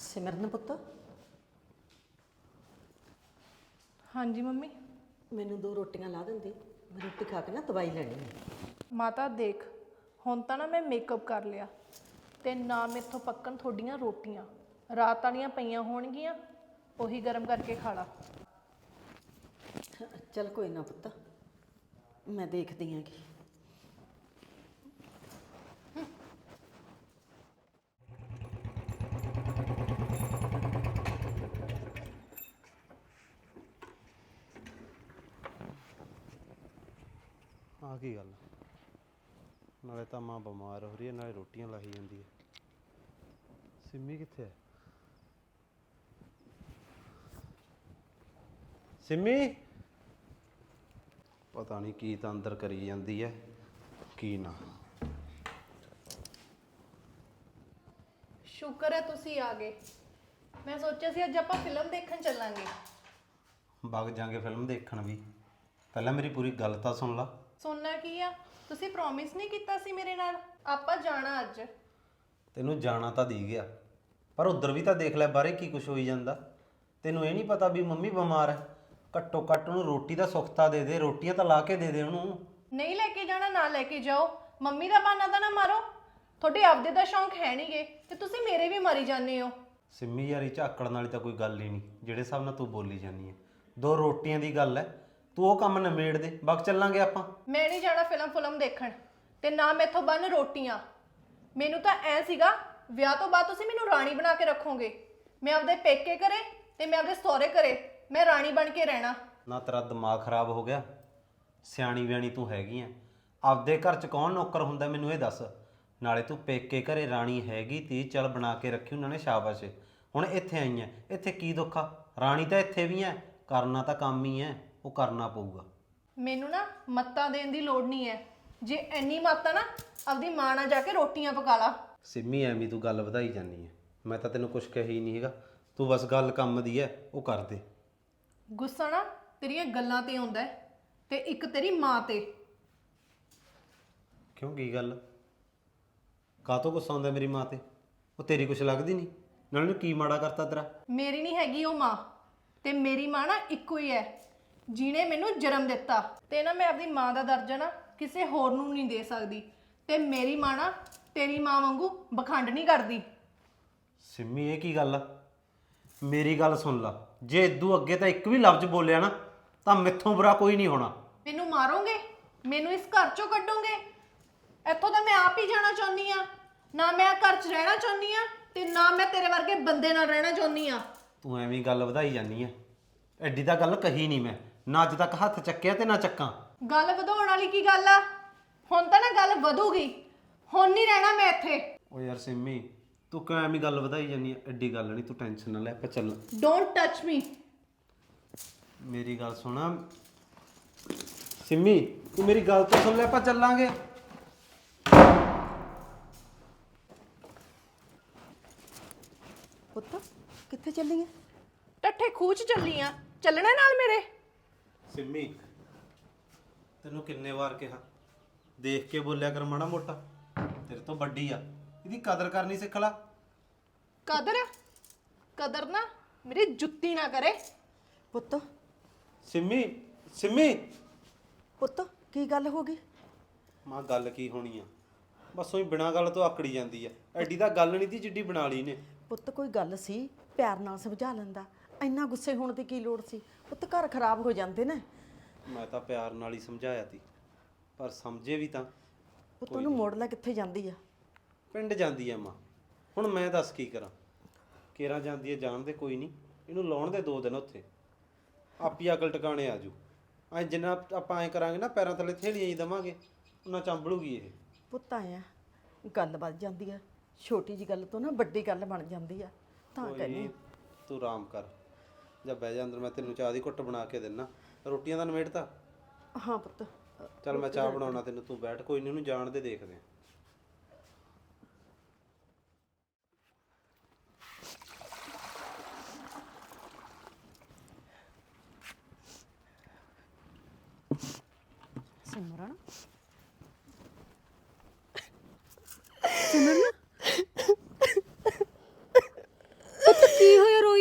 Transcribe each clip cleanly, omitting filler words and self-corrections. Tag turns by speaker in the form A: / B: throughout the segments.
A: ਸਿਮਰਨ ਪੁੱਤ,
B: ਹਾਂਜੀ ਮੰਮੀ।
A: ਮੈਨੂੰ 2 ਰੋਟੀਆਂ ਲਾ ਦਿੰਦੀ। ਮੈਂ ਰੋਟੀ ਖਾ ਕੇ ਨਾ ਦਵਾਈ ਲੈਣੀ ਹੈ।
B: ਮਾਤਾ ਦੇਖ, ਹੁਣ ਤਾਂ ਨਾ ਮੈਂ ਮੇਕਅਪ ਕਰ ਲਿਆ ਤੇ ਨਾ ਮੇਥੋਂ ਪੱਕਣ ਤੁਹਾਡੀਆਂ ਰੋਟੀਆਂ। ਰਾਤ ਵਾਲੀਆਂ ਪਈਆਂ ਹੋਣਗੀਆਂ, ਉਹੀ ਗਰਮ ਕਰਕੇ ਖਾ ਲਾ।
A: ਚੱਲ ਕੋਈ ਨਾ ਪੁੱਤ, ਮੈਂ ਦੇਖਦੀ ਹਾਂ ਕਿ
C: ਆ ਕੀ ਗੱਲ, ਨਾਲੇ ਤਾਂ ਮਾਂ ਬਿਮਾਰ ਹੋ ਰਹੀ ਹੈ, ਨਾਲੇ ਰੋਟੀਆਂ ਲਾਹੀ ਜਾਂਦੀ ਹੈ। ਸਿੰਮੀ ਕਿੱਥੇ ਹੈ? ਸਿੰਮੀ ਪਤਾ ਨਹੀਂ ਕੀ ਤਾਂ ਅੰਦਰ ਕਰੀ ਜਾਂਦੀ ਹੈ, ਕੀ ਨਾ।
B: ਸ਼ੁਕਰ ਹੈ ਤੁਸੀਂ ਆ ਗਏ। ਮੈਂ ਸੋਚਿਆ ਸੀ ਅੱਜ ਆਪਾਂ ਫਿਲਮ ਦੇਖਣ ਚੱਲਾਂਗੇ।
C: ਵਗ ਜਾਂਗੇ ਫਿਲਮ ਦੇਖਣ ਵੀ, ਪਹਿਲਾਂ ਮੇਰੀ ਪੂਰੀ ਗੱਲ ਤਾਂ ਸੁਣ ਲਾ।
B: ਸੁਣਨਾ ਕੀ ਆ? ਤੁਸੀਂ ਪ੍ਰੋਮਿਸ ਨਹੀਂ ਕੀਤਾ ਸੀ ਮੇਰੇ ਨਾਲ ਆਪਾਂ ਜਾਣਾ ਅੱਜ।
C: ਤੈਨੂੰ ਜਾਣਾ ਤਾਂ ਦੇ ਗਿਆ, ਪਰ ਉਧਰ ਵੀ ਤਾਂ ਦੇਖ ਲੈ ਬਾਹਰੇ ਕੀ ਕੁਝ ਹੋਈ ਜਾਂਦਾ। ਤੈਨੂੰ ਇਹ ਨਹੀਂ ਪਤਾ ਵੀ ਮੰਮੀ ਬਿਮਾਰ ਹੈ? ਘੱਟੋ ਘੱਟ ਉਹਨੂੰ ਰੋਟੀ ਦਾ ਸੁੱਖ ਤਾਂ ਦੇ ਦੇ, ਰੋਟੀਆਂ ਤਾਂ ਲਾ ਕੇ ਦੇ ਦੇ ਉਹਨੂੰ।
B: ਨਹੀਂ ਲੈ ਕੇ ਜਾਣਾ ਨਾ ਲੈ ਕੇ ਜਾਓ, ਮੰਮੀ ਦਾ ਬਹਾਨਾ ਤਾਂ ਨਾ ਮਾਰੋ। ਤੁਹਾਡੇ ਆਪਦੇ ਦਾ ਸ਼ੌਂਕ ਹੈ ਨਹੀਂਗੇ ਤੇ ਤੁਸੀਂ ਮੇਰੇ ਵੀ ਮਾਰੀ ਜਾਂਦੇ ਹੋ।
C: ਸਿੰਮੀ ਯਾਰੀ ਝਾਕੜਨ ਵਾਲੀ ਤਾਂ ਕੋਈ ਗੱਲ ਹੀ ਨਹੀਂ, ਜਿਹੜੇ ਹਿਸਾਬ ਨਾਲ ਤੂੰ ਬੋਲੀ ਜਾਂਦੀ ਹੈ। 2 ਰੋਟੀਆਂ ਦੀ ਗੱਲ ਹੈ, ਤੂੰ ਉਹ ਕੰਮ ਨਿਬੇੜ ਦੇ, ਵਗ ਚੱਲਾਂਗੇ ਆਪਾਂ।
B: ਮੈਂ ਨਹੀਂ ਜਾਣਾ ਫਿਲਮ ਦੇਖਣ, ਤੇ ਨਾ ਮੈਥੋਂ ਬੰਨ ਰੋਟੀਆਂ। ਮੈਨੂੰ ਤਾਂ ਐ ਸੀਗਾ ਵਿਆਹ ਤੋਂ ਬਾਅਦ ਤੁਸੀਂ ਮੈਨੂੰ ਰਾਣੀ ਬਣਾ ਕੇ ਰੱਖੋਗੇ। ਮੈਂ ਆਪਦੇ ਪੇਕੇ ਘਰੇ ਤੇ ਮੈਂ ਆਪਦੇ ਸਹੁਰੇ ਘਰੇ ਮੈਂ ਰਾਣੀ ਬਣ ਕੇ ਰਹਿਣਾ। ਨਾ
C: ਤੇਰਾ ਦਿਮਾਗ ਖਰਾਬ ਹੋ ਗਿਆ? ਸਿਆਣੀ ਵਿਆਣੀ ਤੂੰ ਹੈਗੀ ਆ, ਆਪਦੇ ਘਰ 'ਚ ਕੌਣ ਨੌਕਰ ਹੁੰਦਾ ਮੈਨੂੰ ਇਹ ਦੱਸ। ਨਾਲੇ ਤੂੰ ਪੇਕੇ ਘਰੇ ਰਾਣੀ ਹੈਗੀ ਤੀ, ਚੱਲ ਬਣਾ ਕੇ ਰੱਖੀ ਉਹਨਾਂ ਨੇ, ਸ਼ਾਬਾਸ਼। ਹੁਣ ਇੱਥੇ ਆਈ ਐ, ਇੱਥੇ ਕੀ ਦੁੱਖ ਆ? ਰਾਣੀ ਤਾਂ ਇੱਥੇ ਵੀ ਐ, ਕਰਨਾ ਤਾਂ ਕੰਮ ਹੀ ਐ, ਉਹ ਕਰਨਾ ਪਊਗਾ।
B: ਮੈਨੂੰ ਨਾ ਮੱਤਾਂ ਦੇਣ ਦੀ ਲੋੜ ਨਹੀਂ ਹੈ। ਜੇ ਇੰਨੀ ਮੱਤ ਆ ਨਾ, ਆਪਦੀ ਮਾਂ ਨਾਲ ਜਾ ਕੇ ਰੋਟੀਆਂ ਪਕਾ ਲਾ।
C: ਸਿੰਮੀ ਐਵੇਂ ਤੂੰ ਗੱਲ ਵਧਾਈ ਜਾਂਦੀ ਐ, ਮੈਂ ਤਾਂ ਤੈਨੂੰ ਕੁਝ ਕਹੀ ਨਹੀਂ ਹੈਗਾ। ਤੂੰ ਬਸ ਗੱਲ ਕੰਮ ਦੀ ਐ, ਉਹ ਕਰ ਦੇ।
B: ਗੁੱਸਾ ਨਾ ਤੇਰੀਆਂ ਗੱਲਾਂ ਤੇ ਆਉਂਦਾ ਹੈ, ਤੇ ਇੱਕ ਤੇਰੀ ਮਾਂ ਤੇ।
C: ਕਿਉਂ, ਕੀ ਗੱਲ? ਕਾਹਤੋਂ ਗੁੱਸਾ ਆਉਂਦਾ ਮੇਰੀ ਮਾਂ ਤੇ? ਉਹ ਤੇਰੀ ਕੁਛ ਲੱਗਦੀ ਨਹੀਂ? ਨਾਲੇ ਨੂੰ ਕੀ ਮਾੜਾ ਕਰਤਾ ਤੇਰਾ?
B: ਮੇਰੀ ਨਹੀਂ ਹੈਗੀ ਉਹ ਮਾਂ, ਤੇ ਮੇਰੀ ਮਾਂ ਨਾ ਇੱਕੋ ਹੀ ਹੈ, ਜਿਹਨੇ ਮੈਨੂੰ ਜਨਮ ਦਿੱਤਾ। ਤੇ ਨਾ ਮੈਂ ਆਪਣੀ ਮਾਂ ਦਾ ਦਰਜਾ ਨਾ ਕਿਸੇ ਹੋਰ ਨੂੰ ਨਹੀਂ ਦੇ ਸਕਦੀ। ਤੇ ਮੇਰੀ ਮਾਂ ਨਾ ਤੇਰੀ ਮਾਂ ਵਾਂਗੂ ਬਖੰਡ ਨਹੀਂ ਕਰਦੀ।
C: ਸਿੰਮੀ ਇਹ ਕੀ ਗੱਲ ਆ? ਮੇਰੀ ਗੱਲ ਸੁਣ ਲਾ, ਜੇ ਇਦੋਂ ਅੱਗੇ ਤਾਂ ਇੱਕ ਵੀ ਲਫ਼ਜ਼ ਬੋਲਿਆ ਨਾ ਤਾਂ ਮੈਥੋਂ ਬੁਰਾ ਕੋਈ ਨਹੀਂ ਹੋਣਾ।
B: ਮੈਨੂੰ ਮਾਰੋਗੇ? ਮੈਨੂੰ ਇਸ ਘਰ ਚੋਂ ਕੱਢੋਗੇ? ਇੱਥੋਂ ਤਾਂ ਮੈਂ ਆਪ ਹੀ ਜਾਣਾ ਚਾਹੁੰਦੀ ਆ। ਨਾ ਮੈਂ ਘਰ 'ਚ ਰਹਿਣਾ ਚਾਹੁੰਦੀ ਆ, ਤੇ ਨਾ ਮੈਂ ਤੇਰੇ ਵਰਗੇ ਬੰਦੇ ਨਾਲ ਰਹਿਣਾ ਚਾਹੁੰਦੀ ਆ।
C: ਤੂੰ ਐਵੇਂ ਗੱਲ ਵਧਾਈ ਜਾਂਦੀ ਐ, ਐਡੀ ਤਾਂ ਗੱਲ ਕਹੀ ਨਹੀਂ ਮੈਂ, ਨਾ ਅੱਜ ਤੱਕ ਹੱਥ ਚੱਕਿਆ ਤੇ ਨਾ ਚੱਕਾਂ।
B: ਗੱਲ ਵਧਾਉਣ ਵਾਲੀ ਕੀ ਗੱਲ ਆ? ਹੁਣ ਤਾਂ ਨਾ ਗੱਲ ਵਧੂਗੀ, ਹੁਣ ਨਹੀਂ ਰਹਿਣਾ ਮੈਂ ਇੱਥੇ।
C: ਓ ਯਾਰ ਸਿੰਮੀ, ਤੂੰ ਕਿਉਂ ਐਵੇਂ ਗੱਲ ਵਧਾਈ ਜਾਂਦੀ ਐ? ਐਡੀ ਗੱਲ ਨਹੀਂ, ਤੂੰ ਟੈਨਸ਼ਨ ਨਾ ਲੈ, ਆਪਾਂ ਚੱਲ।
B: Don't touch me.
C: ਮੇਰੀ ਗੱਲ ਸੁਣ ਸਿੰਮੀ, ਤੂੰ ਮੇਰੀ ਗੱਲ ਤਾਂ ਸੁਣ ਲੈ, ਆਪਾਂ ਚੱਲਾਂਗੇ।
A: ਪੁੱਤ ਕਿੱਥੇ ਚੱਲੀ ਹੈ?
B: ਟੱਠੇ ਖੂਚ ਚੱਲੀ ਆ, ਚੱਲਣਾ ਨਾਲ ਮੇਰੇ?
C: ਸਿੰਮੀ ਤੈਨੂੰ ਕਿੰਨੇ ਵਾਰ ਕਿਹਾ, ਦੇਖ ਕੇ ਬੋਲਿਆ ਕਰ ਮਾੜਾ ਮੋਟਾ, ਤੇਰੇ ਤੋਂ ਵੱਡੀ ਆ, ਇਹਦੀ ਕਦਰ ਕਰਨੀ ਸਿੱਖ ਲੈ।
B: ਕਦਰ? ਕਦਰ ਨਾ ਮੇਰੀ ਜੁੱਤੀ ਨਾ ਕਰੇ।
A: ਪੁੱਤ
C: ਸਿੰਮੀ, ਸਿੰਮੀ।
A: ਪੁੱਤ ਕੀ ਗੱਲ ਹੋ ਗਈ?
C: ਮਾਂ ਗੱਲ ਕੀ ਹੋਣੀ ਆ, ਬਸ ਉਹੀ ਬਿਨਾਂ ਗੱਲ ਤੋਂ ਆਕੜੀ ਜਾਂਦੀ ਆ। ਐਡੀ ਤਾਂ ਗੱਲ ਨਹੀਂ ਤੀ ਜਿੱਡੀ ਬਣਾ ਲਈ ਨੇ।
A: ਪੁੱਤ ਕੋਈ ਗੱਲ ਸੀ, ਪਿਆਰ ਨਾਲ ਸਮਝਾ ਲੈਂਦਾ, ਇੰਨਾ ਗੁੱਸੇ ਹੋਣ ਦੀ ਕੀ ਲੋੜ ਸੀ? ਪੁੱਤ ਘਰ ਖਰਾਬ ਹੋ ਜਾਂਦੇ ਨੇ।
C: ਮੈਂ ਤਾਂ ਪਿਆਰ ਨਾਲ ਹੀ ਸਮਝਾਇਆ ਤੀ, ਪਰ ਸਮਝੇ ਵੀ ਤਾਂ।
A: ਪੁੱਤ ਉਹਨੂੰ ਮੋੜ ਲੈ, ਕਿੱਥੇ ਜਾਂਦੀ ਆ?
C: ਪਿੰਡ ਜਾਂਦੀ ਆ ਮਾਂ, ਹੁਣ ਮੈਂ ਦੱਸ ਕੀ ਕਰਾਂ? ਕੇਰਾਂ ਜਾਂਦੀ ਆ, ਜਾਣ ਦੇ, ਕੋਈ ਨਹੀਂ, ਇਹਨੂੰ ਲਾਉਣ ਦੇ 2 ਦਿਨ ਉੱਥੇ, ਆਪੀ ਅਕਲ ਟਿਕਾਣੇ ਆ ਜੂ। ਐ ਜਿੰਨਾ ਆਪਾਂ ਐਂ ਕਰਾਂਗੇ ਨਾ, ਪੈਰਾਂ ਥੱਲੇ ਥੇਲੀਆਂ ਹੀ ਦੇਵਾਂਗੇ, ਉਹਨਾਂ ਚੰਬਲੂਗੀ ਇਹ।
A: ਪੁੱਤ ਆਇਆ ਗੱਲ ਵੱਧ ਜਾਂਦੀ ਆ, ਛੋਟੀ ਜੀ ਗੱਲ ਤੋਂ ਨਾ ਵੱਡੀ ਗੱਲ ਬਣ ਜਾਂਦੀ ਆ, ਤਾਂ ਕਹਿੰਦੀ।
C: ਤੂੰ ਆਰਾਮ ਕਰ, ਜਾਂ ਬਹਿ ਜਾ ਅੰਦਰ, ਮੈਂ ਤੈਨੂੰ ਚਾਹ ਦੀ ਘੁੱਟ ਬਣਾ ਕੇ ਦਿੰਨਾ। ਰੋਟੀਆਂ ਦਾ ਨਿਬੇੜਤਾ?
A: ਹਾਂ ਪੁੱਤ।
C: ਚੱਲ ਮੈਂ ਚਾਹ ਬਣਾਉਣਾ ਤੈਨੂੰ, ਤੂੰ ਬੈਠ, ਕੋਈ ਨਹੀਂ, ਉਹਨੂੰ ਜਾਣ ਦੇ, ਦੇਖਦੇ ਆ।
A: ਸਿਮਰਨ ਸਿਮਰਨ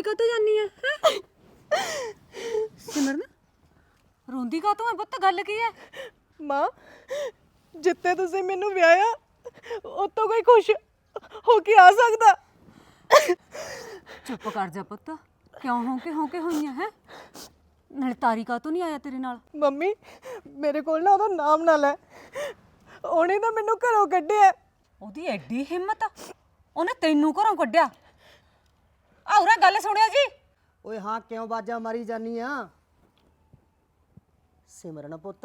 D: ਰੋਈ ਕਾਤੋਂ ਜਾਨੀ ਆ ਹੈ? ਸਿਮਰਨ ਰੋਂਦੀ ਕਾਤੋਂ ਹੈ ਪੁੱਤ, ਗੱਲ ਕੀ ਹੈ?
B: ਮਾਂ ਜਿੱਤੇ ਤੁਸੀਂ ਮੈਨੂੰ ਵਿਆਹਿਆ ਉਤੋਂ ਕੋਈ ਖੁਸ਼ ਹੋ ਕੇ ਆ ਸਕਦਾ?
D: ਚੁੱਪ ਕਰ ਜਾ ਪੁੱਤ, ਕਿਉਂ ਹੋਂਕੇ ਹੋਈਆਂ ਹੈ? ਨਾਲੇ ਤਾਰੀ ਕਾਤੋਂ ਨਹੀਂ ਆਇਆ ਤੇਰੇ ਨਾਲ?
B: ਮੰਮੀ ਮੇਰੇ ਕੋਲ ਨਾ ਉਹਦਾ ਨਾਮ ਨਾ ਲੈ, ਉਹਨੇ ਤਾਂ ਮੈਨੂੰ ਘਰੋਂ ਕੱਢਿਆ।
D: ਉਹਦੀ ਐਡੀ ਹਿੰਮਤ, ਉਹਨੇ ਤੈਨੂੰ ਘਰੋਂ ਕੱਢਿਆ? ਆਉਰਾ ਗੱਲ ਸੁਣਿਆ ਜੀ।
E: ਓਏ ਹਾਂ, ਕਿਉਂ ਬਾਜਾ ਮਾਰੀ ਜਾਨੀ ਆ? ਸਿਮਰਨ ਪੁੱਤ,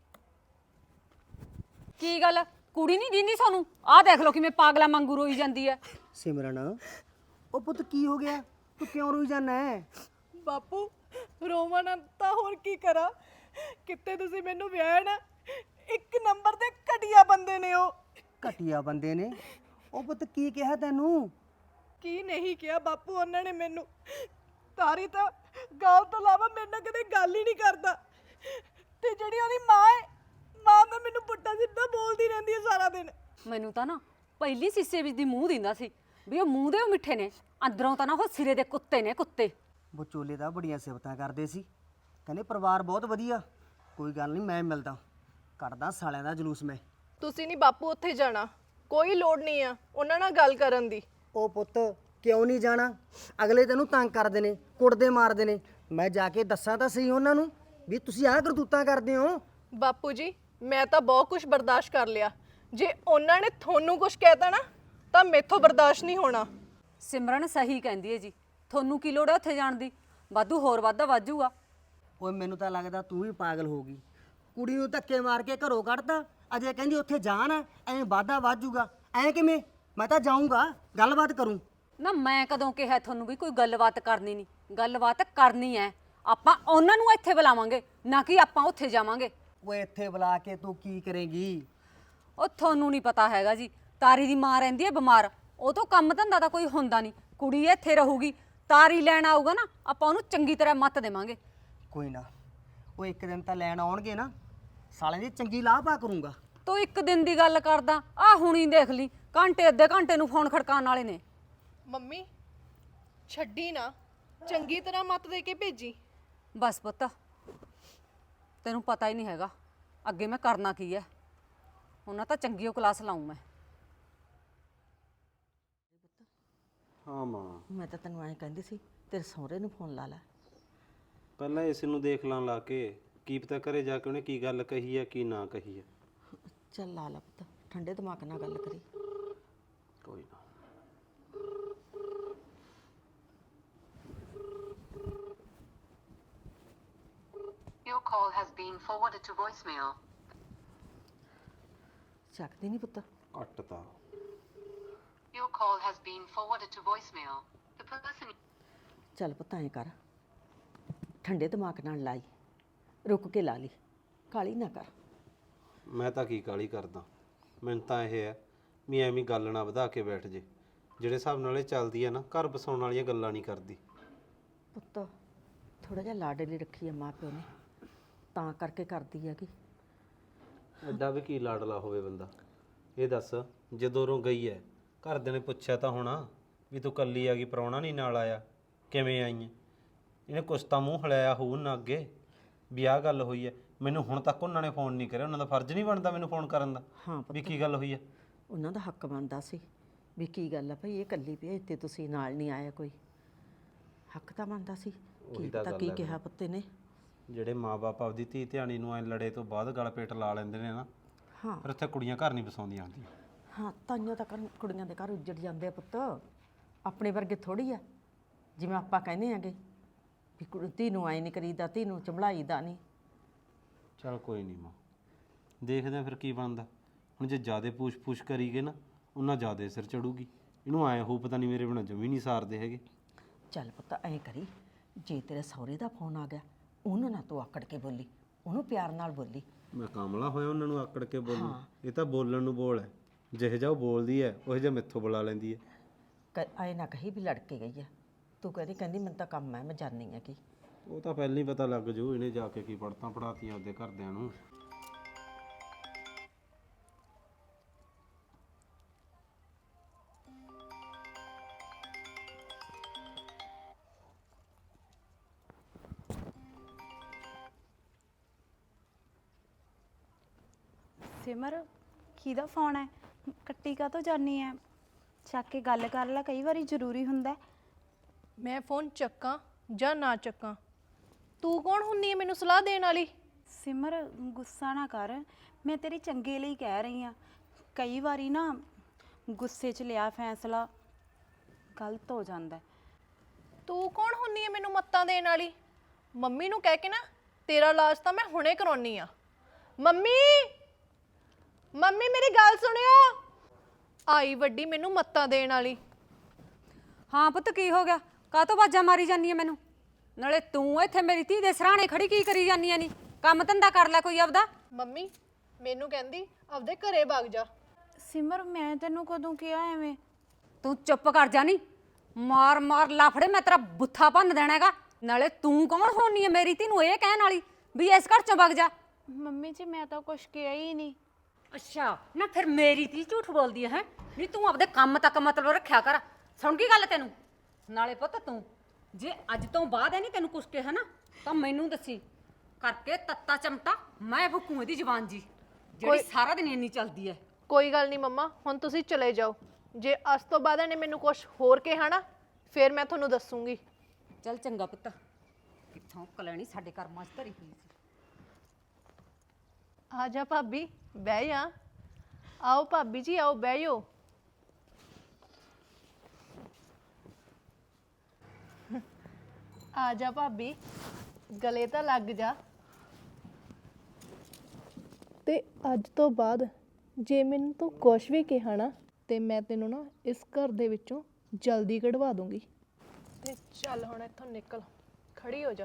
D: ਕੀ ਗੱਲ ਕੁੜੀ ਨਹੀਂ ਦਿੰਦੀ ਸਾਨੂੰ? ਆਹ ਦੇਖ ਲਓ ਕਿਵੇਂ ਪਾਗਲਾ ਵਾਂਗੂ ਰੋਈ ਜਾਂਦੀ ਹੈ।
E: ਸਿਮਰਨ ਉਹ ਪੁੱਤ ਕੀ ਹੋ ਗਿਆ? ਤੂੰ ਕਿਉਂ ਰੋਈ ਜਾਨਾ ਹੈ?
B: ਬਾਪੂ ਰੋਵਾਂ ਨਾ ਤਾਂ ਹੋਰ ਕੀ ਕਰਾਂ, ਕਿਤੇ ਤੁਸੀਂ ਮੈਨੂੰ ਵਿਆਹਿਆ ਨਾ, ਇੱਕ ਨੰਬਰ ਦੇ ਘਟੀਆ ਬੰਦੇ ਨੇ ਉਹ।
E: ਘਟੀਆ ਬੰਦੇ ਨੇ? ਉਹ ਪੁੱਤ ਕੀ ਕਿਹਾ ਤੈਨੂੰ?
B: ਕੀ ਨਹੀਂ ਕਿਹਾ ਬਾਪੂ, ਉਹਨਾਂ ਨੇ ਮੈਨੂੰ ਤਾਰੀ ਤਾਂ ਗੱਲ ਤੋਂ ਇਲਾਵਾ ਮੇਰੇ ਨਾਲ ਕਦੇ ਗੱਲ ਹੀ ਨਹੀਂ ਕਰਦਾ, ਤੇ ਜਿਹੜੀ ਉਹਦੀ ਮਾਂ ਹੈ, ਮਾਂ ਤਾਂ ਮੈਨੂੰ ਪੁੱਟਾ ਸਿੱਧਾ ਬੋਲਦੀ ਰਹਿੰਦੀ ਹੈ ਸਾਰਾ ਦਿਨ।
D: ਮੈਨੂੰ ਤਾਂ ਨਾ ਪਹਿਲੀ ਸੀਸੇ ਵਿੱਚ ਦੀ ਮੂੰਹ ਦਿੰਦਾ ਸੀ ਵੀ ਉਹ ਮੂੰਹ ਦੇ ਉਹ ਮਿੱਠੇ ਨੇ, ਅੰਦਰੋਂ ਤਾਂ ਨਾ ਉਹ ਸਿਰੇ ਦੇ ਕੁੱਤੇ ਨੇ, ਕੁੱਤੇ।
E: ਵਿਚੋਲੇ ਦਾ ਬੜੀਆਂ ਸਿਫਤਾਂ ਕਰਦੇ ਸੀ, ਕਹਿੰਦੇ ਪਰਿਵਾਰ ਬਹੁਤ ਵਧੀਆ। ਕੋਈ ਗੱਲ ਨਹੀਂ, ਮੈਂ ਮਿਲਦਾ, ਕੱਢਦਾ ਸਾਲਿਆਂ ਦਾ ਜਲੂਸ ਮੈਂ।
B: ਤੁਸੀਂ ਨਹੀਂ ਬਾਪੂ ਉੱਥੇ ਜਾਣਾ, ਕੋਈ ਲੋੜ ਨਹੀਂ ਆ ਉਹਨਾਂ ਨਾਲ ਗੱਲ ਕਰਨ ਦੀ।
E: ਉਹ ਪੁੱਤ ਕਿਉਂ ਨਹੀਂ ਜਾਣਾ? ਅਗਲੇ ਤੈਨੂੰ ਤੰਗ ਕਰਦੇ ਨੇ, ਕੁੱਟਦੇ ਮਾਰਦੇ ਨੇ। ਮੈਂ ਜਾ ਕੇ ਦੱਸਾਂ ਤਾਂ ਸਹੀ ਉਹਨਾਂ ਨੂੰ ਵੀ ਤੁਸੀਂ ਆਹ ਕਰਤੂਤਾਂ ਕਰਦੇ ਹੋ।
B: ਬਾਪੂ ਜੀ ਮੈਂ ਤਾਂ ਬਹੁਤ ਕੁਝ ਬਰਦਾਸ਼ਤ ਕਰ ਲਿਆ, ਜੇ ਉਹਨਾਂ ਨੇ ਤੁਹਾਨੂੰ ਕੁਝ ਕਹਿਤਾ ਨਾ ਤਾਂ ਮੈਥੋਂ ਬਰਦਾਸ਼ਤ ਨਹੀਂ ਹੋਣਾ।
D: ਸਿਮਰਨ ਸਹੀ ਕਹਿੰਦੀ ਹੈ ਜੀ, ਤੁਹਾਨੂੰ ਕੀ ਲੋੜ ਹੈ ਉੱਥੇ ਜਾਣ ਦੀ? ਵਾਧੂ ਹੋਰ ਵਾਧਾ ਵਾਜੂਗਾ।
E: ਓਏ ਮੈਨੂੰ ਤਾਂ ਲੱਗਦਾ ਤੂੰ ਵੀ ਪਾਗਲ ਹੋ ਗਈ। ਕੁੜੀ ਨੂੰ ਧੱਕੇ ਮਾਰ ਕੇ ਘਰੋਂ ਕੱਢਤਾ, ਅਜੇ ਕਹਿੰਦੀ ਉੱਥੇ ਜਾਣ ਐਂ ਵਾਧਾ ਵਾਜੂਗਾ। ਐਂ ਕਿਵੇਂ? ਮੈਂ ਤਾਂ ਜਾਊਂਗਾ, ਗੱਲਬਾਤ ਕਰੂੰ।
D: ਨਾ ਮੈਂ ਕਦੋਂ ਕਿਹਾ ਤੁਹਾਨੂੰ ਵੀ ਕੋਈ ਗੱਲਬਾਤ ਕਰਨੀ ਨਹੀਂ? ਗੱਲਬਾਤ ਕਰਨੀ ਹੈ, ਆਪਾਂ ਉਹਨਾਂ ਨੂੰ ਇੱਥੇ ਬੁਲਾਵਾਂਗੇ, ਨਾ ਕਿ ਆਪਾਂ ਉੱਥੇ ਜਾਵਾਂਗੇ।
E: ਓਏ ਇੱਥੇ ਬੁਲਾ ਕੇ ਤੂੰ ਕੀ ਕਰੇਂਗੀ?
D: ਉਹ ਤੁਹਾਨੂੰ ਨਹੀਂ ਪਤਾ ਹੈਗਾ ਜੀ, ਤਾਰੀ ਦੀ ਮਾਂ ਰਹਿੰਦੀ ਹੈ ਬਿਮਾਰ, ਉਹ ਤੋਂ ਕੰਮ ਧੰਦਾ ਤਾਂ ਕੋਈ ਹੁੰਦਾ ਨਹੀਂ, ਕੁੜੀ ਇੱਥੇ ਰਹੂਗੀ। ਤਾਰੀ ਲੈਣ ਆਊਗਾ ਨਾ, ਆਪਾਂ ਉਹਨੂੰ ਚੰਗੀ ਤਰ੍ਹਾਂ ਮੱਤ ਦੇਵਾਂਗੇ।
E: ਕੋਈ ਨਾ, ਉਹ ਇੱਕ ਦਿਨ ਤਾਂ ਲੈਣ ਆਉਣਗੇ ਨਾ, ਸਾਲਿਆਂ ਦੀ ਚੰਗੀ ਲਾਹ ਪਾ ਕਰੂੰਗਾ।
D: ਤੂੰ ਇੱਕ ਦਿਨ ਦੀ ਗੱਲ ਕਰਦਾ, ਆਹ ਹੁਣੀ ਦੇਖ ਲਈ ਘੰਟੇ ਅੱਧੇ ਘੰਟੇ ਨੂੰ ਫੋਨ ਖੜਕਾਉਣ ਵਾਲੇ ਨੇ।
B: ਮੰਮੀ ਛੱਡੀ ਨਾ, ਚੰਗੀ ਤਰ੍ਹਾਂ ਮੱਤ ਦੇ ਕੇ ਭੇਜੀ।
D: ਬਸ ਪੁੱਤ, ਤੈਨੂੰ ਪਤਾ ਹੀ ਨਹੀਂ ਹੈਗਾ ਅੱਗੇ ਮੈਂ ਕਰਨਾ ਕੀ ਹੈ। ਉਹਨਾਂ ਤਾਂ ਚੰਗੀ ਉਹ ਕਲਾਸ ਲਾਊਂ ਮੈਂ।
C: ਹਾਂ ਮਾਂ,
A: ਮੈਂ ਤਾਂ ਤੈਨੂੰ ਐਂ ਕਹਿੰਦੀ ਸੀ ਤੇਰੇ ਸਹੁਰੇ ਨੂੰ ਫੋਨ ਲਾ ਲੈ।
C: ਪਹਿਲਾਂ ਇਸ ਨੂੰ ਦੇਖ ਲਾਂ ਲਾ ਕੇ, ਕੀ ਪਤਾ ਘਰੇ ਜਾ ਕੇ ਉਹਨੇ ਕੀ ਗੱਲ ਕਹੀ ਹੈ ਕੀ ਨਾ ਕਹੀ ਹੈ।
A: ਚੱਲ ਲਾ ਲਾ ਪੁੱਤ, ਠੰਡੇ ਦਿਮਾਗ ਨਾਲ ਗੱਲ ਕਰੀ।
C: ਕੋਈ ਨਾ।
F: Your call has been forwarded to voicemail.
A: ਚੱਕਦੀ ਨਹੀਂ ਪੁੱਤ।
C: ਕੱਟਤਾ।
F: Your call has been forwarded to voicemail. The person
A: ਚੱਲ ਪੁੱਤ ਐਂ ਕਰ, ਠੰਡੇ ਦਿਮਾਗ ਨਾਲ ਲਾਈ, ਰੁਕ ਕੇ ਲਾ ਲਈ, ਕਾਲੀ ਨਾ ਕਰ।
C: ਮੈਂ ਤਾਂ ਕੀ ਕਾਲੀ ਕਰਦਾ, ਮੈਨੂੰ ਤਾਂ ਇਹ ਹੈ ਵੀ ਐਵੇਂ ਗੱਲ ਨਾ ਵਧਾ ਕੇ ਬੈਠ ਜੇ। ਜਿਹੜੇ ਹਿਸਾਬ ਨਾਲ ਇਹ ਚੱਲਦੀ ਹੈ ਨਾ, ਘਰ ਬਸਾਉਣ ਵਾਲੀਆਂ ਗੱਲਾਂ ਨਹੀਂ ਕਰਦੀ।
A: ਪੁੱਤ ਥੋੜਾ ਜਿਹਾ ਲਾਡੇ ਲਈ ਰੱਖੀ ਆ ਮਾਂ ਪਿਓ ਨੇ, ਤਾਂ ਕਰਕੇ ਕਰਦੀ ਹੈਗੀ।
C: ਐਡਾ ਵੀ ਕੀ ਲਾਡਲਾ ਹੋਵੇ ਬੰਦਾ? ਇਹ ਦੱਸ, ਜਦੋਂ ਉਰੋਂ ਗਈ ਹੈ ਘਰਦਿਆਂ ਨੇ ਪੁੱਛਿਆ ਤਾਂ ਹੋਣਾ ਵੀ ਤੂੰ ਕੱਲੀ ਆ ਗਈ, ਪ੍ਰਾਹੁਣਾ ਨਹੀਂ ਨਾਲ ਆਇਆ, ਕਿਵੇਂ ਆਈ ਹੈ? ਇਹਨੇ ਕੁਛ ਤਾਂ ਮੂੰਹ ਹਲਾਇਆ ਹੋਊ ਨਾ ਅੱਗੇ ਵੀ ਆਹ ਗੱਲ ਹੋਈ ਹੈ। ਮੈਨੂੰ ਹੁਣ ਤੱਕ ਉਹਨਾਂ ਨੇ ਫੋਨ ਨਹੀਂ ਕਰਿਆ, ਉਹਨਾਂ ਦਾ ਫਰਜ਼ ਨਹੀਂ ਬਣਦਾ ਮੈਨੂੰ ਫੋਨ ਕਰਨ ਦਾ
A: ਹਾਂ
C: ਵੀ ਕੀ ਗੱਲ ਹੋਈ ਹੈ?
A: ਉਹਨਾਂ ਦਾ ਹੱਕ ਬਣਦਾ ਸੀ ਵੀ ਕੀ ਗੱਲ ਆ ਭਾਈ, ਇਹ ਕੱਲੀ ਭੇਜਤੇ ਤੁਸੀਂ, ਨਾਲ ਨਹੀਂ ਆਇਆ ਕੋਈ। ਹੱਕ ਤਾਂ ਬਣਦਾ ਸੀ। ਕੀ ਪਤਾ ਕੀ ਕਿਹਾ ਪੁੱਤੇ ਨੇ।
C: ਜਿਹੜੇ ਮਾਪੇ ਆਪਦੀ ਧੀ ਧਿਆਣੀ ਨੂੰ ਐ ਲੜੇ ਤੋਂ ਬਾਅਦ ਗਲ ਪੇਟ ਲਾ ਲੈਂਦੇ ਨੇ ਨਾ,
A: ਹਾਂ
C: ਫਿਰ ਉੱਥੇ ਕੁੜੀਆਂ ਘਰ ਨਹੀਂ ਬਸਾਉਂਦੀਆਂ ਹੁੰਦੀਆਂ।
A: ਹਾਂ, ਤਾਈਆਂ ਤਾਂ ਕੁੜੀਆਂ ਦੇ ਘਰ ਉੱਜੜ ਜਾਂਦੇ ਆ ਪੁੱਤ, ਆਪਣੇ ਵਰਗੇ ਥੋੜੀ ਆ। ਜਿਵੇਂ ਆਪਾਂ ਕਹਿੰਦੇ ਆਂਗੇ ਵੀ ਧੀ ਨੂੰ ਆਏ ਨਹੀਂ ਕਰੀਦਾ, ਧੀ ਨੂੰ ਚੰਬਲਾਈਦਾ ਨਹੀਂ।
C: ਚਲ ਕੋਈ ਨਹੀਂ ਮਾਂ, ਦੇਖਦੇ ਆ ਫਿਰ ਕੀ ਬਣਦਾ। ਹੁਣ ਜੇ ਜ਼ਿਆਦੇ ਪੁੱਛ ਕਰੀਗੇ ਨਾ, ਉਹਨਾਂ ਜ਼ਿਆਦੇ ਸਿਰ ਚੜੂਗੀ। ਇਹਨੂੰ ਆਏ ਹੋ ਪਤਾ ਨਹੀਂ ਮੇਰੇ ਬਿਨਾਂ ਜਮੀ ਨਹੀਂ ਸਾਰਦੇ ਹੈਗੇ।
A: ਚੱਲ ਪੁੱਤ ਐਂ ਕਰੀ, ਜੇ ਤੇਰੇ ਸਹੁਰੇ ਦਾ ਫੋਨ ਆ ਗਿਆ, ਉਹਨੂੰ ਨਾ ਤੂੰ ਆਕੜ ਕੇ ਬੋਲੀ, ਉਹਨੂੰ ਪਿਆਰ ਨਾਲ ਬੋਲੀ।
C: ਮੈਂ ਕਾਮਲਾ ਹੋਇਆ ਉਹਨਾਂ ਨੂੰ ਆਕੜ ਕੇ ਬੋਲੂ? ਇਹ ਤਾਂ ਬੋਲਣ ਨੂੰ ਬੋਲ ਹੈ, ਜਿਹੇ ਜਿਹਾ ਉਹ ਬੋਲਦੀ ਹੈ ਉਹ ਜਿਹਾ ਮੈਥੋਂ ਬੁਲਾ ਲੈਂਦੀ ਹੈ।
A: ਐਂ ਨਾ ਕਹੀ ਵੀ ਲੜ ਕੇ ਗਈ ਆ, ਤੂੰ ਕਹਿੰਦੀ ਮੈਨੂੰ ਤਾਂ ਕੰਮ ਹੈ, ਮੈਂ ਜਾਣੀ ਆ ਕੀ।
C: ਉਹ ਤਾਂ ਪਹਿਲਾਂ ਹੀ ਪਤਾ ਲੱਗ ਜੂ, ਇਹਨੇ ਜਾ ਕੇ ਕੀ ਪੜਤਾਂ ਪੜਾਤੀਆਂ ਆਪਦੇ ਘਰਦਿਆਂ ਨੂੰ।
G: ਸਿਮਰ ਕਿਹਦਾ ਫੋਨ ਹੈ? ਕੱਟੀ ਕਾ ਤੋਂ ਜਾਨੀ ਹੈ? ਚੱਕ ਕੇ ਗੱਲ ਕਰ ਲੈ, ਕਈ ਵਾਰੀ ਜ਼ਰੂਰੀ ਹੁੰਦਾ।
B: ਮੈਂ ਫੋਨ ਚੱਕਾਂ ਜਾਂ ਨਾ ਚੱਕਾਂ, ਤੂੰ ਕੌਣ ਹੁੰਨੀ ਹੈ ਮੈਨੂੰ ਸਲਾਹ ਦੇਣ ਵਾਲੀ?
G: ਸਿਮਰ ਗੁੱਸਾ ਨਾ ਕਰ, ਮੈਂ ਤੇਰੇ ਚੰਗੇ ਲਈ ਕਹਿ ਰਹੀ ਹਾਂ। ਕਈ ਵਾਰੀ ਨਾ ਗੁੱਸੇ 'ਚ ਲਿਆ ਫੈਸਲਾ ਗਲਤ ਹੋ ਜਾਂਦਾ ਹੈ।
B: ਤੂੰ ਕੌਣ ਹੁੰਨੀ ਹੈ ਮੈਨੂੰ ਮੱਤਾਂ ਦੇਣ ਵਾਲੀ? ਮੰਮੀ ਨੂੰ ਕਹਿ ਕੇ ਨਾ ਤੇਰਾ ਇਲਾਜ ਤਾਂ ਮੈਂ ਹੁਣੇ ਕਰਾਉਣੀ ਆ। ਮੰਮੀ ਮੰਮੀ ਮੇਰੀ ਗੱਲ ਸੁਣਿਓ। ਆਈ ਵੱਡੀ ਮੈਨੂੰ ਮੱਤਾਂ ਦੇਣ ਵਾਲੀ।
D: ਹਾਂ ਪੁੱਤ ਕੀ ਹੋ ਗਿਆ? ਕਾਹਤੋਂ ਬਾਜਾਂ ਮਾਰੀ ਜਾਂਦੀ ਹੈ ਮੈਨੂੰ? ਨਾਲੇ ਤੂੰ ਇੱਥੇ ਮੇਰੀ ਧੀ ਦੇ ਸਰਾਣੇ ਖੜੀ ਕੀ ਕਰੀ ਜਾਂਦੀ ਐ? ਨਹੀਂ ਕੰਮ ਧੰਦਾ ਕਰ ਲੈ ਕੋਈ ਆਪਦਾ।
B: ਮੰਮੀ ਮੈਨੂੰ ਕਹਿੰਦੀ ਆਪਦੇ ਘਰੇ ਵਗ ਜਾ।
G: ਸਿਮਰ ਮੈਂ ਤੈਨੂੰ ਕਦੋਂ ਕਿਹਾ ਐਵੇਂ?
D: ਤੂੰ ਚੁੱਪ ਕਰ ਜਾ, ਨਹੀਂ ਮਾਰ ਮਾਰ ਲਾਫੜੇ ਮੈਂ ਤੇਰਾ ਬੁੱਥਾ ਭੰਨ ਦੇਣਾ ਹੈਗਾ। ਨਾਲੇ ਤੂੰ ਕੌਣ ਹੋਣੀ ਹੈ ਮੇਰੀ ਧੀ ਨੂੰ ਇਹ ਕਹਿਣ ਵਾਲੀ ਵੀ ਇਸ ਘਰ ਚੋਂ ਵਗ ਜਾ?
G: ਮੰਮੀ ਜੀ ਮੈਂ ਤਾਂ ਕੁਛ ਕਿਹਾ ਹੀ ਨਹੀਂ।
D: ਅੱਛਾ ਨਾ ਫਿਰ ਮੇਰੀ ਧੀ ਝੂਠ ਬੋਲਦੀ ਹੈ? ਨਹੀਂ ਤੂੰ ਆਪਦੇ ਕੰਮ ਤੱਕ ਮਤਲਬ ਰੱਖਿਆ ਕਰ। ਸੁਣ ਗਈ ਗੱਲ ਤੈਨੂੰ? ਨਾਲੇ ਪੁੱਤ ਤੂੰ ਜੇ ਅੱਜ ਤੋਂ ਬਾਅਦ ਇਹ ਨਹੀਂ ਤੈਨੂੰ ਕੁਛ ਕਿਹਾ ਨਾ ਤਾਂ ਮੈਨੂੰ ਦੱਸੀ, ਕਰਕੇ ਤੱਤਾ ਚਮਟਾ ਮੈਂ ਭੁੱਕੂ ਇਹਦੀ ਜ਼ਬਾਨ ਜੀ ਜਿਹੜੀ ਸਾਰਾ ਦਿਨ ਇੰਨੀ ਚੱਲਦੀ ਹੈ।
B: ਕੋਈ ਗੱਲ ਨਹੀਂ ਮੰਮਾ, ਹੁਣ ਤੁਸੀਂ ਚਲੇ ਜਾਓ। ਜੇ ਅੱਜ ਤੋਂ ਬਾਅਦ ਇਹਨੇ ਮੈਨੂੰ ਕੁਝ ਹੋਰ ਕਿਹਾ ਨਾ ਫਿਰ ਮੈਂ ਤੁਹਾਨੂੰ ਦੱਸੂਗੀ।
D: ਚੱਲ ਚੰਗਾ ਪੁੱਤ। ਕਿੱਥੋਂ ਕਲੈਣੀ ਸਾਡੇ ਕਰਮਾਂ 'ਚ ਧਰੀ ਪਈ ਸੀ।
B: ਆ ਜਾ ਭਾਬੀ ਬਹਿ ਜਾ। ਆਓ ਭਾਬੀ ਜੀ ਆਓ ਬਹਿ ਜਾਓ। ਆ ਜਾ ਭਾਬੀ ਗਲੇ ਤਾਂ ਲੱਗ ਜਾ। ਤੇ ਅੱਜ ਤੋਂ ਬਾਅਦ ਜੇ ਮੈਨੂੰ ਤੂੰ ਕੁਛ ਵੀ ਕਿਹਾ ਨਾ ਤੇ ਮੈਂ ਤੈਨੂੰ ਨਾ ਇਸ ਘਰ ਦੇ ਵਿੱਚੋਂ ਜਲਦੀ ਕਢਵਾ ਦੂੰਗੀ। ਤੇ ਚੱਲ ਹੁਣ ਇੱਥੋਂ ਨਿਕਲ, ਖੜੀ ਹੋ ਜਾ।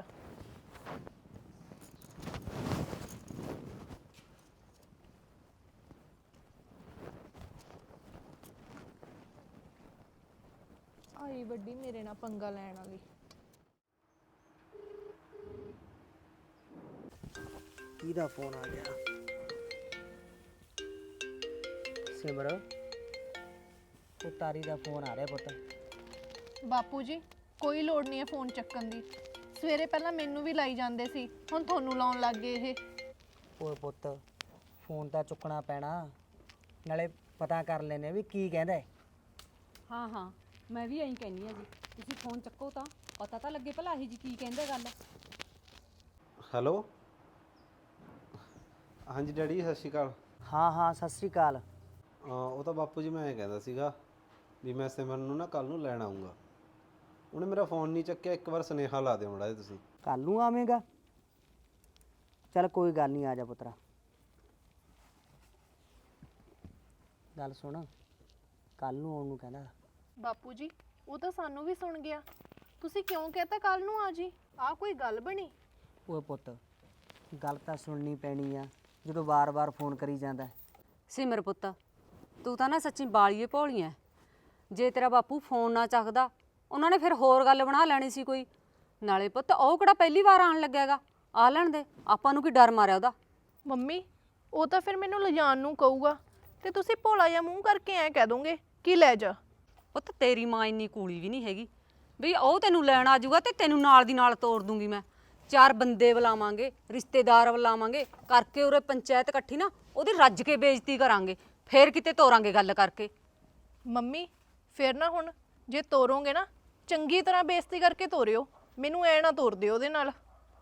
B: ਆਈ ਵੱਡੀ ਮੇਰੇ ਨਾਲ ਪੰਗਾ ਲੈਣ ਵਾਲੀ।
E: ਕਿਹਦਾ ਫੋਨ ਆ ਗਿਆ? ਸਿਮਰ ਉਹ ਤਾਰੀ ਦਾ ਫੋਨ ਆ ਰਿਹਾ ਪੁੱਤ।
B: ਬਾਪੂ ਜੀ ਕੋਈ ਲੋੜ ਨਹੀਂ ਹੈ ਫੋਨ ਚੱਕਣ ਦੀ। ਸਵੇਰੇ ਪਹਿਲਾਂ ਮੈਨੂੰ ਵੀ ਲਾਈ ਜਾਂਦੇ ਸੀ, ਹੁਣ ਤੁਹਾਨੂੰ ਲਾਉਣ ਲੱਗ ਗਏ ਇਹ।
E: ਓਏ ਪੁੱਤ ਫੋਨ ਤਾਂ ਚੁੱਕਣਾ ਪੈਣਾ, ਨਾਲੇ ਪਤਾ ਕਰ ਲੈਨੇ ਵੀ ਕੀ ਕਹਿੰਦਾ ਹੈ।
D: ਹਾਂ ਹਾਂ ਮੈਂ ਵੀ ਐਂ ਕਹਿੰਦੀ ਆ ਜੀ, ਤੁਸੀਂ ਫੋਨ ਚੱਕੋ ਤਾਂ ਪਤਾ ਤਾਂ ਲੱਗੇ ਭਲਾ ਇਹ ਜੀ ਕੀ ਕਹਿੰਦੇ ਗੱਲ।
C: ਹੈਲੋ ਹਾਂਜੀ ਡੈਡੀ ਸਤਿ ਸ਼੍ਰੀ ਅਕਾਲ।
E: ਹਾਂ ਹਾਂ ਸਤਿ ਸ੍ਰੀ ਅਕਾਲ।
C: ਉਹ ਤਾਂ ਬਾਪੂ ਜੀ ਮੈਂ ਇਹ ਕਹਿੰਦਾ ਸੀਗਾ ਵੀ ਮੈਂ ਸਿਮਰਨ ਨੂੰ ਨਾ ਕੱਲ ਨੂੰ ਲੈਣ ਆਉਂਗਾ। ਉਹਨੇ ਮੇਰਾ ਫੋਨ ਨਹੀਂ ਚੱਕਿਆ, ਇੱਕ ਵਾਰ ਸੁਨੇਹਾ ਲਾ ਦਿਓ ਮਾੜਾ ਜਿਹਾ ਤੁਸੀਂ।
E: ਕੱਲ ਨੂੰ ਆਵੇਂਗਾ? ਚੱਲ ਕੋਈ ਗੱਲ ਨਹੀਂ, ਆ ਜਾ ਪੁੱਤਰਾ। ਗੱਲ ਸੁਣ, ਕੱਲ ਨੂੰ ਆਉਣ ਨੂੰ ਕਹਿੰਦਾ।
B: ਬਾਪੂ ਜੀ ਉਹ ਤਾਂ ਸਾਨੂੰ ਵੀ ਸੁਣ ਗਿਆ, ਤੁਸੀਂ ਕਿਉਂ ਕਹਤਾ ਕੱਲ ਨੂੰ ਆ ਜੀ? ਆ ਕੋਈ ਗੱਲ ਬਣੀ?
E: ਓਏ ਪੁੱਤ ਗੱਲ ਤਾਂ ਸੁਣਨੀ ਪੈਣੀ ਆ ਜਦੋਂ ਵਾਰ-ਵਾਰ ਫੋਨ ਕਰੀ ਜਾਂਦਾ।
D: ਸਿਮਰ ਪੁੱਤ ਤੂੰ ਤਾਂ ਨਾ ਸੱਚੀ ਬਾਲੀਏ ਭੋਲੀਆਂ। ਜੇ ਤੇਰਾ ਬਾਪੂ ਫੋਨ ਨਾ ਚੱਕਦਾ ਉਹਨਾਂ ਨੇ ਫਿਰ ਹੋਰ ਗੱਲ ਬਣਾ ਲੈਣੀ ਸੀ ਕੋਈ। ਨਾਲੇ ਪੁੱਤ ਉਹ ਕਿਹੜਾ ਪਹਿਲੀ ਵਾਰ ਆਣ ਲੱਗਿਆਗਾ, ਆ ਲੈਣ ਦੇ, ਆਪਾਂ ਨੂੰ ਕੀ ਡਰ ਮਾਰਿਆ ਉਹਦਾ।
B: ਮੰਮੀ ਉਹ ਤਾਂ ਫਿਰ ਮੈਨੂੰ ਲਿਜਾਣ ਨੂੰ ਕਹੂਗਾ ਤੇ ਤੁਸੀਂ ਭੋਲਾ ਜਿਹਾ ਮੂੰਹ ਕਰਕੇ ਐਂ ਕਹਿ ਦੋਗੇ ਕਿ ਲੈ ਜਾ।
D: ਪੁੱਤ ਤੇਰੀ ਮਾਂ ਇੰਨੀ ਕੂਲੀ ਵੀ ਨਹੀਂ ਹੈਗੀ ਵੀ ਉਹ ਤੈਨੂੰ ਲੈਣ ਆ ਜਾਊਗਾ ਤੇ ਤੈਨੂੰ ਨਾਲ ਦੀ ਨਾਲ ਤੋੜ ਦੂੰਗੀ ਮੈਂ। ਚਾਰ ਬੰਦੇ ਬੁਲਾਵਾਂਗੇ, ਰਿਸ਼ਤੇਦਾਰ ਬੁਲਾਵਾਂਗੇ, ਕਰਕੇ ਉਰੇ ਪੰਚਾਇਤ ਇਕੱਠੀ ਨਾ ਉਹਦੀ ਰੱਜ ਕੇ ਬੇਇੱਜ਼ਤੀ ਕਰਾਂਗੇ, ਫੇਰ ਕਿਤੇ ਤੋਰਾਂਗੇ ਗੱਲ ਕਰਕੇ।
B: ਮੰਮੀ ਫਿਰ ਨਾ ਹੁਣ ਜੇ ਤੋਰੋਗੇ ਨਾ ਚੰਗੀ ਤਰ੍ਹਾਂ ਬੇਇੱਜ਼ਤੀ ਕਰਕੇ ਤੋਰਿਓ, ਮੈਨੂੰ ਐ ਨਾ ਤੋਰ ਦਿਓ ਉਹਦੇ ਨਾਲ।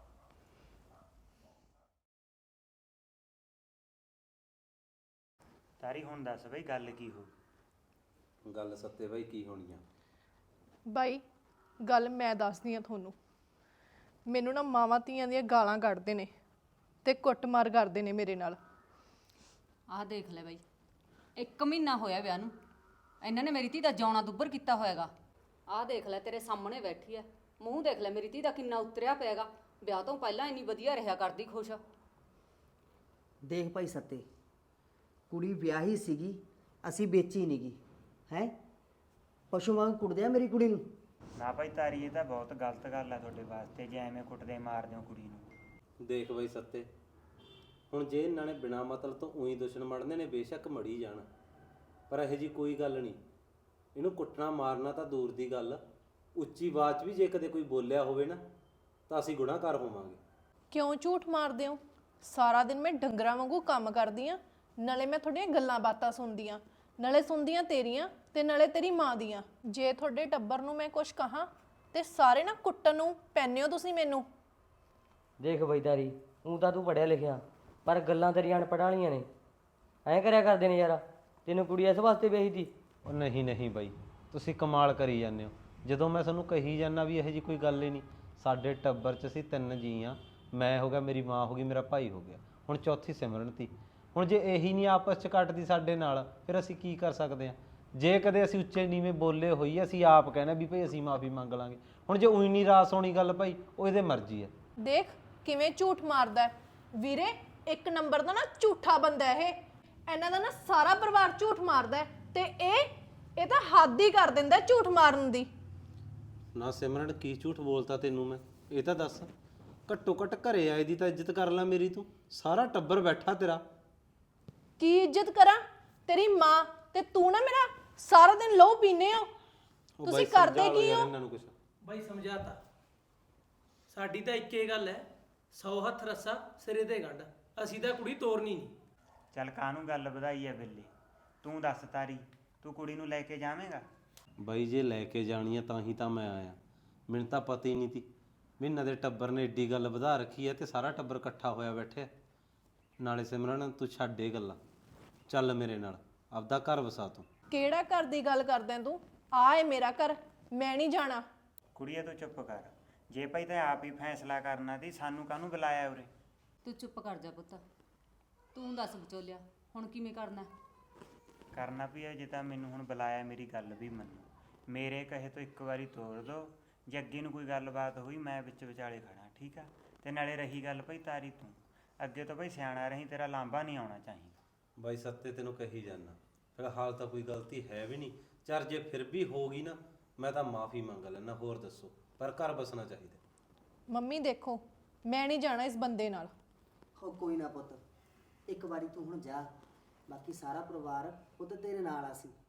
H: ਤਾਰੀ ਹੁਣ ਦੱਸ ਬਈ ਗੱਲ ਕੀ ਹੋ?
C: ਗੱਲ ਸੱਤੇ ਬਾਈ ਕੀ ਹੋਣੀ ਆ?
B: ਬਾਈ ਗੱਲ ਮੈਂ ਦੱਸਦੀ ਆ ਤੁਹਾਨੂੰ। ਮੈਨੂੰ ਨਾ ਮਾਵਾਂ ਧੀਆਂ ਦੀਆਂ ਗਾਲਾਂ ਕੱਢਦੇ ਨੇ ਤੇ ਕੁੱਟਮਾਰ ਕਰਦੇ ਨੇ ਮੇਰੇ ਨਾਲ।
D: ਆਹ ਦੇਖ ਲੈ ਬਾਈ, 1 ਮਹੀਨਾ ਹੋਇਆ ਵਿਆਹ ਨੂੰ, ਇਹਨਾਂ ਨੇ ਮੇਰੀ ਧੀ ਦਾ ਜਿਉਣਾ ਦੁੱਬਰ ਕੀਤਾ ਹੋਇਆਗਾ। ਆਹ ਦੇਖ ਲੈ ਤੇਰੇ ਸਾਹਮਣੇ ਬੈਠੀ ਐ, ਮੂੰਹ ਦੇਖ ਲੈ ਮੇਰੀ ਧੀ ਦਾ ਕਿੰਨਾ ਉਤਰਿਆ ਪਿਆਗਾ। ਵਿਆਹ ਤੋਂ ਪਹਿਲਾਂ ਇੰਨੀ ਵਧੀਆ ਰਿਹਾ ਕਰਦੀ, ਖੁਸ਼।
E: ਦੇਖ ਭਾਈ ਸੱਤੇ, ਕੁੜੀ ਵਿਆਹੀ ਸੀਗੀ, ਅਸੀਂ ਵੇਚੀ ਨਹੀਂ ਗਈ ਹੈ। ਪਸ਼ੂ ਵਾਂਗ ਕੁੱਟਦੇ ਆ ਮੇਰੀ ਕੁੜੀ ਨੂੰ।
H: ਨਾ ਭਾਈ ਤਾਰੀ ਇਹ ਤਾਂ ਬਹੁਤ ਗਲਤ ਗੱਲ ਆ ਤੁਹਾਡੇ ਵਾਸਤੇ ਜੇ ਐਵੇਂ ਕੁੱਟਦੇ ਮਾਰਦੇ ਹੋ ਕੁੜੀ ਨੂੰ।
C: ਦੇਖ ਬਾਈ ਸੱਤੇ, ਹੁਣ ਜੇ ਇਹਨਾਂ ਨੇ ਬਿਨਾਂ ਮਤਲਬ ਤੋਂ ਉਹੀ ਦੁਸ਼ਮਣ ਮੜਨੇ ਨੇ ਬੇਸ਼ੱਕ ਮੜੀ ਜਾਣ, ਪਰ ਇਹੋ ਜੀ ਕੋਈ ਗੱਲ ਨਹੀਂ। ਇਹਨੂੰ ਕੁੱਟਣਾ ਮਾਰਨਾ ਤਾਂ ਦੂਰ ਦੀ ਗੱਲ, ਉੱਚੀ ਆਵਾਜ਼ 'ਚ ਵੀ ਜੇ ਕਦੇ ਕੋਈ ਬੋਲਿਆ ਹੋਵੇ ਨਾ ਤਾਂ ਅਸੀਂ ਗੁਨਾਹਗਾਰ ਹੋਵਾਂਗੇ।
B: ਕਿਉਂ ਝੂਠ ਮਾਰਦੇ ਹੋ? ਸਾਰਾ ਦਿਨ ਮੈਂ ਡੰਗਰਾਂ ਵਾਂਗੂ ਕੰਮ ਕਰਦੀ ਆ ਨਾਲੇ ਮੈਂ ਤੁਹਾਡੀਆਂ ਗੱਲਾਂ ਬਾਤਾਂ ਸੁਣਦੀਆਂ, ਨਾਲੇ ਸੁਣਦੀਆਂ ਤੇਰੀਆਂ ਤੇ ਨਾਲੇ ਤੇਰੀ ਮਾਂ ਦੀਆਂ। ਜੇ ਤੁਹਾਡੇ ਟੱਬਰ ਨੂੰ ਮੈਂ ਕੁਝ ਕਹਾਂ ਤੇ ਸਾਰੇ ਨਾ ਕੁੱਟਣ ਨੂੰ ਪੈਨੇ ਹੋ ਤੁਸੀਂ ਮੈਨੂੰ।
I: ਦੇਖ ਬਈਦਾਰੀ, ਊਂ ਤਾਂ ਤੂੰ ਪੜ੍ਹਿਆ ਲਿਖਿਆ, ਪਰ ਗੱਲਾਂ ਤੇਰੀਆਂ ਅਨਪੜ੍ਹਾਂ ਵਾਲੀਆਂ ਨੇ। ਐਂ ਕਰਿਆ ਕਰਦੇ ਨੇ ਯਾਰ, ਤੈਨੂੰ ਕੁੜੀ ਇਸ ਵਾਸਤੇ ਵੇਹੀ ਤੀ?
C: ਉਹ ਨਹੀਂ ਬਾਈ, ਤੁਸੀਂ ਕਮਾਲ ਕਰੀ ਜਾਂਦੇ ਹੋ। ਜਦੋਂ ਮੈਂ ਤੁਹਾਨੂੰ ਕਹੀ ਜਾਂਦਾ ਵੀ ਇਹੋ ਜੀ ਕੋਈ ਗੱਲ ਹੀ ਨਹੀਂ। ਸਾਡੇ ਟੱਬਰ 'ਚ ਅਸੀਂ 3 ਜੀ ਆ, ਮੈਂ ਹੋ ਗਿਆ, ਮੇਰੀ ਮਾਂ ਹੋ ਗਈ, ਮੇਰਾ ਭਾਈ ਹੋ ਗਿਆ, ਹੁਣ ਚੌਥੀ ਸਿਮਰਨ ਤੀ। ਹੁਣ ਜੇ ਇਹੀ ਨਹੀਂ ਆਪਸ 'ਚ ਕੱਟਦੀ ਸਾਡੇ ਨਾਲ, ਫਿਰ ਅਸੀਂ ਕੀ ਕਰ ਸਕਦੇ ਹਾਂ? ਜੇ ਕਦੇ ਅਸੀਂ ਉੱਚੇ ਨੀਵੇਂ ਬੋਲੇ ਹੋਈ, ਅਸੀਂ ਆਪ ਕਹਿਣਾ ਵੀ ਭਾਈ ਅਸੀਂ ਮਾਫੀ ਮੰਗ ਲਾਂਗੇ। ਹੁਣ ਜੇ ਉਹੀ ਨਹੀਂ ਰਾਸ ਹੋਣੀ ਗੱਲ ਭਾਈ, ਉਹ ਇਹਦੇ ਮਰਜ਼ੀ ਹੈ।
B: ਦੇਖ ਕਿਵੇਂ ਝੂਠ ਮਾਰਦਾ ਹੈ। ਵੀਰੇ ਇੱਕ ਨੰਬਰ ਦਾ ਨਾ ਝੂਠਾ ਬੰਦਾ ਇਹ। ਇਹਨਾਂ ਦਾ ਨਾ ਸਾਰਾ ਪਰਿਵਾਰ ਝੂਠ ਮਾਰਦਾ ਹੈ ਤੇ ਇਹ ਤਾਂ ਹੱਦ ਹੀ ਕਰ ਦਿੰਦਾ ਝੂਠ ਮਾਰਨ ਦੀ।
C: ਨਾ ਸਿਮਰਨ, ਕੀ ਝੂਠ ਬੋਲਤਾ ਤੈਨੂੰ ਮੈਂ? ਇਹ ਤਾਂ ਦੱਸ। ਘੱਟੋ ਘੱਟ ਘਰੇ ਆਏ ਦੀ ਤਾਂ ਇੱਜ਼ਤ ਕਰ ਲੈ ਮੇਰੀ ਤੂੰ। ਸਾਰਾ ਟੱਬਰ ਬੈਠਾ ਤੇਰਾ।
B: ਕੀ ਇੱਜ਼ਤ ਕਰਾਂ? ਤੇਰੀ ਮਾਂ ਤੇ ਤੂੰ ਨਾ ਮੇਰਾ ਸਾਰਾ ਦਿਨ ਲਹੂ ਪੀਨੇ ਹੋ।
C: ਉਹ
B: ਤੁਸੀਂ
C: ਬਾਈ
B: ਕਰਦੇ
C: ਸਮਝਾ ਲਓ
B: ਕੀ
C: ਯਾਰ
B: ਹੋ?
C: ਇਹਨਾਂ ਨੂੰ ਕੁਛ।
J: ਬਾਈ ਸਮਝਾਤਾ, ਸਾਡੀ ਤਾਂ ਇੱਕੇ ਗੱਲ ਹੈ, 100 ਹੱਥ ਰੱਸਾ ਸਿਰੇ ਤੇ ਗੰਢ। ਅਸੀਂ ਤਾਂ ਕੁੜੀ ਤੋਰਨੀ ਨਹੀਂ।
H: ਚੱਲ ਕਾਹਨੂੰ ਗੱਲ ਵਧਾਈ ਐ ਬਿੱਲੇ, ਤੂੰ ਦੱਸ ਤਾਰੀ, ਤੂੰ ਕੁੜੀ ਨੂੰ ਲੈ ਕੇ ਜਾਵੇਂਗਾ?
C: ਬਾਈ ਜੇ ਲੈ ਕੇ ਜਾਣੀ ਆ ਤਾਂ ਹੀ ਤਾਂ ਮੈਂ ਆਇਆ। ਮੈਨੂੰ ਤਾਂ ਪਤਾ ਹੀ ਨਹੀਂ ਤੀ ਵੀ ਇਹਨਾਂ ਦੇ ਟੱਬਰ ਨੇ ਏਡੀ ਗੱਲ ਵਧਾ ਰੱਖੀ ਹੈ ਤੇ ਸਾਰਾ ਟੱਬਰ ਇਕੱਠਾ ਹੋਇਆ ਬੈਠਿਆ। ਨਾਲੇ ਸਿਮਰਨ ਤੂੰ ਛੱਡ ਇਹ ਗੱਲਾਂ, ਚੱਲ ਮੇਰੇ ਨਾਲ, ਆਪਦਾ ਘਰ ਵਸਾ ਤੂੰ।
B: ਕਿਹੜਾ ਘਰ ਦੀ ਗੱਲ ਕਰਦਾ ਤੂੰ? ਆ ਏ ਮੇਰਾ ਘਰ, ਮੈਂ ਨਹੀਂ ਜਾਣਾ।
H: ਕੁੜੀਏ ਤੂੰ ਚੁੱਪ ਕਰ। ਜੇ ਭਾਈ ਤਾਂ ਆਪ ਹੀ ਫੈਸਲਾ ਕਰਨਾ ਤੀ, ਸਾਨੂੰ ਕਾਹਨੂੰ ਬੁਲਾਇਆ ਉਰੇ?
D: ਤੂੰ ਚੁੱਪ ਕਰ ਜਾ ਪੁੱਤ। ਤੂੰ ਦੱਸ ਵਿਚੋਲਿਆ, ਹੁਣ ਕਿਵੇਂ ਕਰਨਾ?
H: ਕਰਨਾ ਵੀ ਹੈ, ਜੇ ਤਾਂ ਮੈਨੂੰ ਹੁਣ ਬੁਲਾਇਆ ਮੇਰੀ ਗੱਲ ਵੀ ਮੰਨੋ। ਮੇਰੇ ਕਹੇ ਤੋਂ ਇੱਕ ਵਾਰੀ ਤੋੜ ਦੋ। ਜੇ ਅੱਗੇ ਨੂੰ ਕੋਈ ਗੱਲਬਾਤ ਹੋਈ ਮੈਂ ਵਿੱਚ ਵਿਚਾਲੇ ਖੜਾ, ਠੀਕ ਆ? ਤੇ ਨਾਲੇ ਰਹੀ ਗੱਲ ਭਾਈ ਤਾਰੀ, ਤੂੰ ਅੱਗੇ ਤੋਂ ਭਾਈ ਸਿਆਣਾ ਰਹੀਂ, ਤੇਰਾ ਲਾਂਭਾ ਨਹੀਂ ਆਉਣਾ ਚਾਹੀਦਾ।
C: ਬਾਈ ਸੱਤੇ ਤੈਨੂੰ ਕਹੀ ਜਾਨਾ, ਫਿਲਹਾਲ ਤਾਂ ਕੋਈ ਗਲਤੀ ਹੈ ਵੀ ਨਹੀਂ। ਚਰ ਜੇ ਫਿਰ ਵੀ ਹੋ ਗਈ ਨਾ, ਮੈਂ ਤਾਂ ਮਾਫੀ ਮੰਗ ਲੈਣਾ, ਹੋਰ ਦੱਸੋ। ਪਰ ਘਰ ਬਸਣਾ ਚਾਹੀਦਾ।
B: ਮੰਮੀ ਦੇਖੋ, ਮੈਂ ਨਹੀਂ ਜਾਣਾ ਇਸ ਬੰਦੇ ਨਾਲ।
E: ਹੋ ਕੋਈ ਨਾ ਪੁੱਤ, ਇੱਕ ਵਾਰੀ ਤੂੰ ਹੁਣ ਜਾ, ਬਾਕੀ ਸਾਰਾ ਪਰਿਵਾਰ ਪੁੱਤ ਤੇਰੇ ਨਾਲ ਆ ਸੀ।